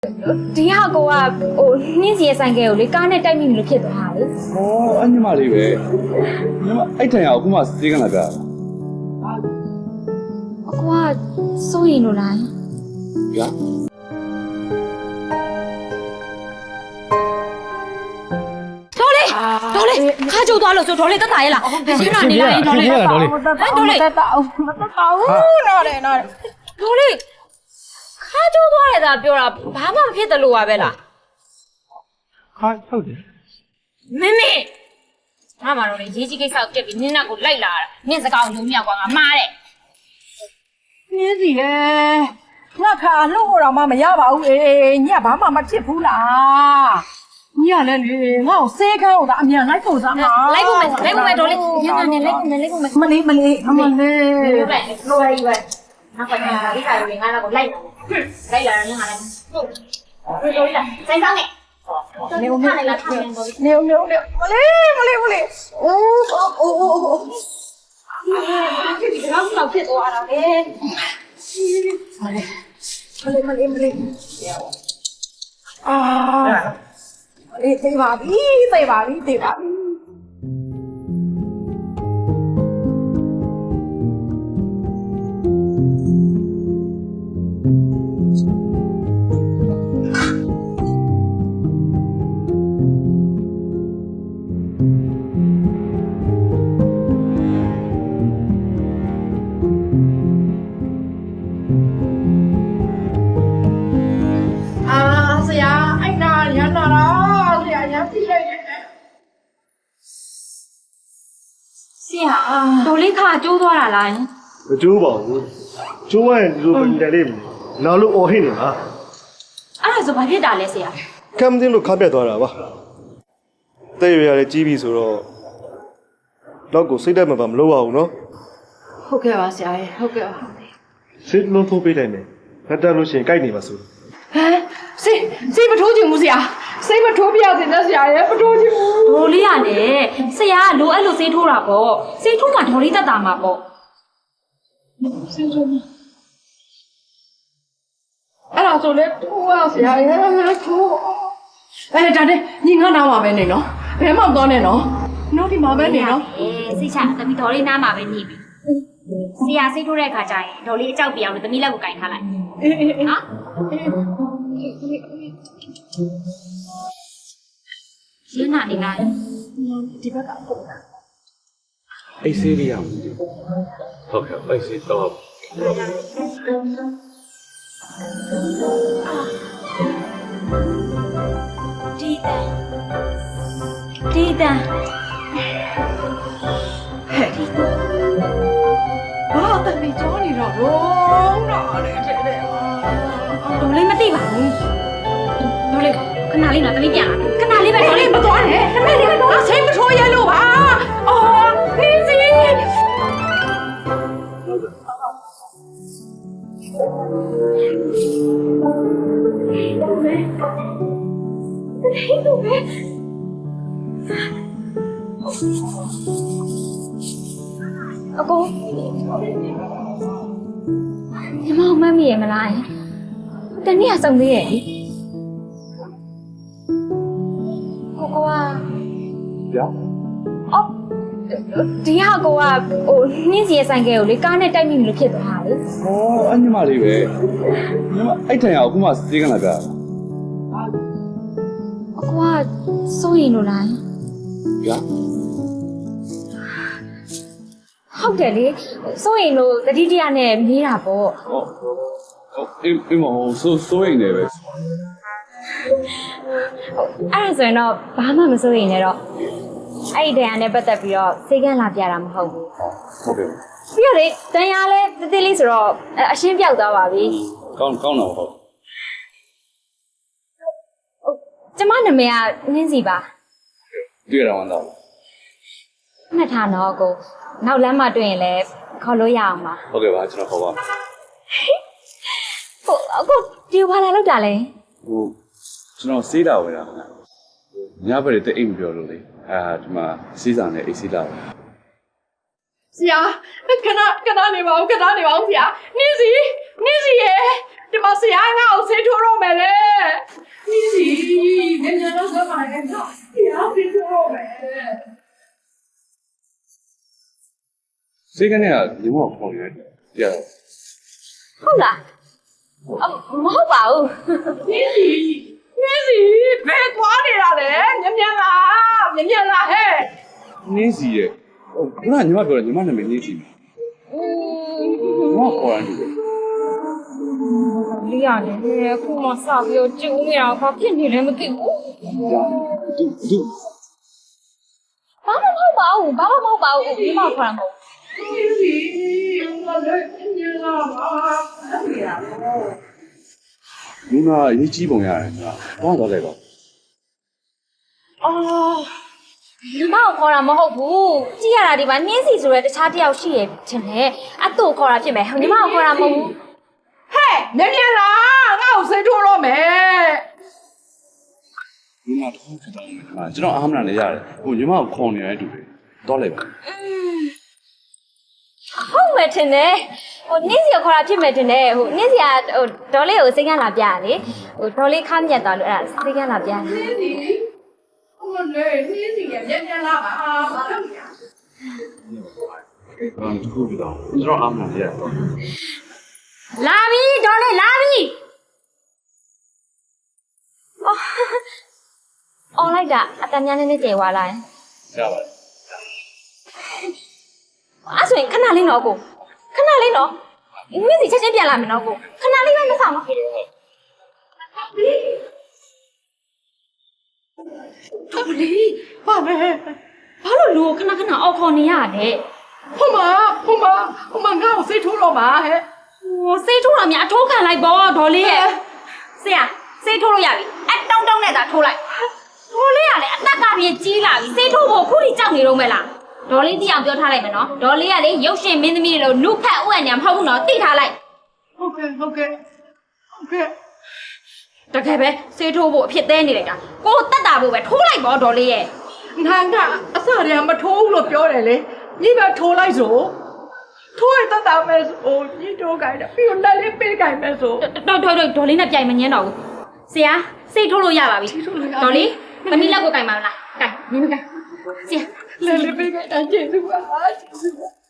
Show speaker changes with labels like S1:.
S1: ဒီဟာကိုကဟိုနှင်းစီရဲ့ဆိုင်ကယ်ကိုလေကားနဲ့တိုက်မိလို့ဖြစ်သွားတာလေ
S2: ဟောအညီမလေးပဲညီမအဲ့တိုင်အောင်အခုမှစေးကလာပြတာ
S1: အကွာစိုးရင်လို့လား
S2: ဗျာ
S1: တော်လေခါကြိုးသွားလို့ဆိုတော်လေတက်တာရဲ့လားရှင်းတာနေလိုက်တော်လေတော်လေတက်တာအောင်မတက်တာဘူးနော်လေတော်လေခါကြိုးသွားရတာပြောတာဘာမှမဖြစ်တယ်လို့ပါပဲလား
S3: ဟာဟုတ်တယ်
S1: မင်းငါမှတော့လေရေးကြီးကိစ္စကိုပြက်ပြီးနင်းနောက်ကိုလိုက်လာတာနင်းစကားကိုယုံမြောက်ကွာငါမှားတယ်
S4: နင်းစီလေငါခါလှုပ်ဖို့တော့မရပါဘူးညဘာမှမဖြစ်ဘူးလားညလည်းလေငါ့ကိုစေးခန်းကိုဒါအမြန်လိုက်ဖို့စားမှာ
S1: လိုက်ဖို့မယ်တော်လေညနေလိုက်ဖို့မယ်
S4: မလေးအမလေး
S1: လိုလိုက်လိုရည်ပဲငါကညာလာဒီခါလေးငါတော့လိုက်လာတယ်ငါလည်းဟုတ်တော်လာဆိုင်ဆောင်နေနေဦးနေလာထိုင်နေတော်
S4: နေမလေးအိုး
S1: ဒီတော့ဖြစ်သွားတာလေ
S4: မလေးအာအေးသိပါပြီဆရာအဲ့နာရန်နာလားဆရာရန်ပြလိုက်တယ်
S1: ဆရာတော်လေးခါကျိုးသွားတာလား
S3: မကျိုးပါဘူးကျိုးရင်ဒီလိုပဲတယ်လိမ့်မယ်နောက်လို့အော်ဟစ်နေလား
S1: အဲ့ဒါဆိုဘာဖြစ်တာလဲဆရာ
S3: ကမ်တင်းလို့ခါပြတ်သွားတာပါတဲ့ရရတယ်ကြီးပြီဆိုတော့တော့ကိုစိတ်တက်မှာမလုပ်ရဘူးနော်
S4: ဟုတ်ကဲ့ပါဆရာရေဟုတ်ကဲ့ပါ
S3: စိတ်လုံးထိုးပေးလိုက်မယ်ငါတက်လို့ရှိရင်ကြိုက်နေပါစို့
S4: ဟမ်စိတ်မထိုးချင်ဘူးဆရာစိတ်မထိုးပြရစေနဲ့ဆရာရေမထိုးချင်ဘူး
S1: ဒေါ်လေးကလည်းဆရာကလိုအဲ့လိုစေးထိုးတာပေါ့စေးထိုးမှဒေါ်လေးတက်တာမှာပေါ့
S4: အဲ့ဒါဆိုလေထိုးရဆရာရေထိုးဒါနဲ့ညီငါနားမှာပဲနေနော်ဘယ်မှမသွားနဲ့နော်နောက်ဒီမှာပဲနေနော်
S1: စိတ်ချသမီးဒေါ်လေးနားမှာပဲနေပြီဆရာစေးထိုးတဲ့အခါကျရင်ဒေါ်လေးအကြောက်ပြအောင်လို့သမီးလက်ကိုကင်ထားလိုက်
S4: အေး
S1: နော်ရှင်းနာနေလား
S4: ဒီဘက်ကပုံတာ
S2: အိတ်စေးလေးရအောင်ဟုတ်ကဲ့အိတ်စေးတော့
S1: ဒီတန်
S4: ဘာတမီကြောနေတော့တော့လေတဲ့
S1: ဒေါ်လေးမသိပါဘူးဒေါ်လေးခဏလေးနော်သမီးပြန်လာခဏလေးပဲဒေါ်လေး
S4: မသွားနဲ့တမီလေးတော့ဆေးမထိုးရလို့ပါအော်ဖေးစီ
S1: အကိုညီမမမီးရမလားတနေ့ကစုံသေးရဲ့ကိုက
S2: ဗျာ
S1: အော်ဒီဟာကိုကဟိုနှင်းစီရဲ့ဆိုင်ကယ်ကိုလေကားနဲ့တိုက်မိလို့ဖြစ်သွားတာလေ
S2: ဟောအညီမလေးပဲညီမအဲ့တိုင်အောင်အခုမှစေးကလာပြတာ
S1: အကွာစိုးရင်လို့လား
S2: ဗျာ
S1: ဟုတ်တယ်လေစိုးရင်လို့တတိတရနဲ့မေးတာပေါ့
S2: ဟုတ်အေးမဟုတ်စိုးရင်လည်းပဲ
S1: အဲ့ဒါဆိုရင်တော့ဘာမှမစိုးရင်လည်းတော့အဲ့ဒီတရားနဲ့ပတ်သက်ပြီးတော့စိတ်ကန်းလာပြတာမဟုတ်ဘူး
S2: ဟုတ်ကဲ့
S1: ပြီးတော့လေတန်ရလဲတသေးလေးဆိုတော့အရှင်းပြောက်သွားပါပြီ
S2: ကောင်းတော့ဟုတ်
S1: ကျမနာမည်ကနှင်းစီပါ
S2: တွေ့ရတော့တော့
S1: မှတ်ထားတော့ကိုနောက်လမ်းမှာတွေ့ရင်လည်းခေါ်လို့ရအောင်ပါ
S2: ဟုတ်ကဲ့ပါကျွန်တော်ခေါ်ပါမယ်
S1: ဟုတ်အခုဒီဘာလာလောက်တာလဲ
S2: ဟိုကျွန်တော်စေးတာဝင်တာခင်ဗျညဘက်တည်းအိမ်မပြောလို့လေဒီမှာစီးစာနဲ့အိတ်စီးလာတယ်
S4: ဆရာခဏနေပါဦးဆရာနင်းစီရေဒီမှာဆရာငါ့ကိုဆေးထိုးတော့မယ်လေဒီစီနင်တို့ကမှလည်းတော့ဆရာဆေးထိုးတော့မယ်
S2: စေကနေကညီမကိုခေါ်ရတယ်ကြာ
S1: ဟုတ်လားမဟုတ်ပါဘူး
S4: နင်းစီဘယ်သွားနေတာလဲမြန်လာဟဲ့
S2: နင်းစီရဲ့ခုနကညီမပြောတယ်ညီမနာမည်နင်းစီညီမခေါ်ရတယ်
S1: လေးရတယ်ခုမှစပြီးတော့ကျုံနေတာဘာဖြစ်နေလဲမသိဘူး
S2: သူ
S1: ဘာမှမဟုတ်ပါဘူးဒီမှာခေါ်တာမဟုတ်
S4: နင်းစီငါလည်းမြန်လာပါ
S2: ညီမအရေးကြီးပုံရတယ်ဘာတော့လဲပါ
S1: အော်ညီမကိုခေါ်တာမဟုတ်ဘူးကြည့်ရတာဒီမှာနှင်းစီဆိုရဲတခြားတစ်ယောက်ရှိရဲ့ထင်တယ်အတူခေါ်တာဖြစ်မယ်ညီမကိုခေါ်တာမဟုတ်ဘူး
S4: ဟဲ့မြန်လာငါ့ကိုဆေးထိုးတော့မယ်
S2: ညီမတော့ဖြစ်တော့မယ်ကျွန်တော်အားမနာနေရတယ်ဟိုညီမကိုခေါ်နေတဲ့အတူတွေတော့လဲပါ
S1: ဟုတ်မယ်ထင်တယ်ဟိုနှင်းစီကိုခေါ်တာဖြစ်မယ်ထင်တယ်ဟိုနှင်းစီကဟိုဒေါ်လေးကိုစိတ်ကန်းလာပြရလေဟိုဒေါ်လေးခါမြတ်သွားလို့အဲ့ဒါစိတ်ကန်းလာပြတယ်
S4: နင်းစီဟိုလေနင်းစီမြန်လာပါဘာလို့လဲ
S2: ဘာတခုဖြစ်တော့ကျွန်တော်အားမနာနေရတယ်
S1: လာပြီဒေါ်လေးလာပြီအော်လိုက်တာအတန်းများနေကျေသွားလာရင်
S2: ရပါတယ်
S1: အဲ့ဆိုရင်ခဏလေးတော့ကိုခဏလေးတော့နှင်းစီချက်ချင်းပြန်လာမယ်နော်ကိုခဏလေးပဲမဆောင်နော်
S4: တော်လီဘာလဲ
S1: ဘာလို့လူကိုခဏခဏအော်ခေါ်နေရတဲ့
S4: ဟိုမှာငါ့ကိုဆေးထိုးတော့မှာဟဲ့
S1: ဟိုစေးထိုးတာများအထိုးခံလိုက်ပေါ့ဒေါ်လေးရဲ့ဆရာစေးထိုးလို့ရပြီအတောင်းနဲ့သာထိုးလိုက်ဒေါ်လေးကလည်းအသက်ကပြည့်ကြီးလာပြီစေးထိုးဖို့ခုထိကြောက်နေတော့မဲ့လားဒေါ်လေးတိအောင်ပြောထားလိုက်မယ်နော်ဒေါ်လေးကလေရုပ်ရှင်မင်းသမီးတွေလို့နုဖက်ဥယျာဉ်ညာမဟုတ်ဘူးနော်သိထားလိုက်
S4: ဟုတ်ကဲ့
S1: တကယ်ပဲစေးထိုးဖို့အဖြစ်သေးနေလိုက်တာကိုတက်တာဖို့ပဲထိုးလိုက်ပေါ့ဒေါ်လေးရဲ့
S4: ငါကအစတည်းကမထိုးဘူးလို့ပြောတယ်လေညီကထိုးလိုက်ဆိုထိုးရတတ်တာပဲဆိုညီထိုးခိုင်းတယ်ပြီးတော့လက်လေးပေးခိုင်းမယ်ဆို
S1: ဒေါ်လေးနဲ့ပြိုင်မငင်းတော့ဘူးဆရာစေးထိုးလို့ရပါပြီဒေါ်လေးသမီးလက်ကိုကင်ပါမလားကင်မင်းမကင်ဆရာ
S4: လက်လေးပေးခိုင်းတာကျေးဇူးပါကျေးဇူးပါ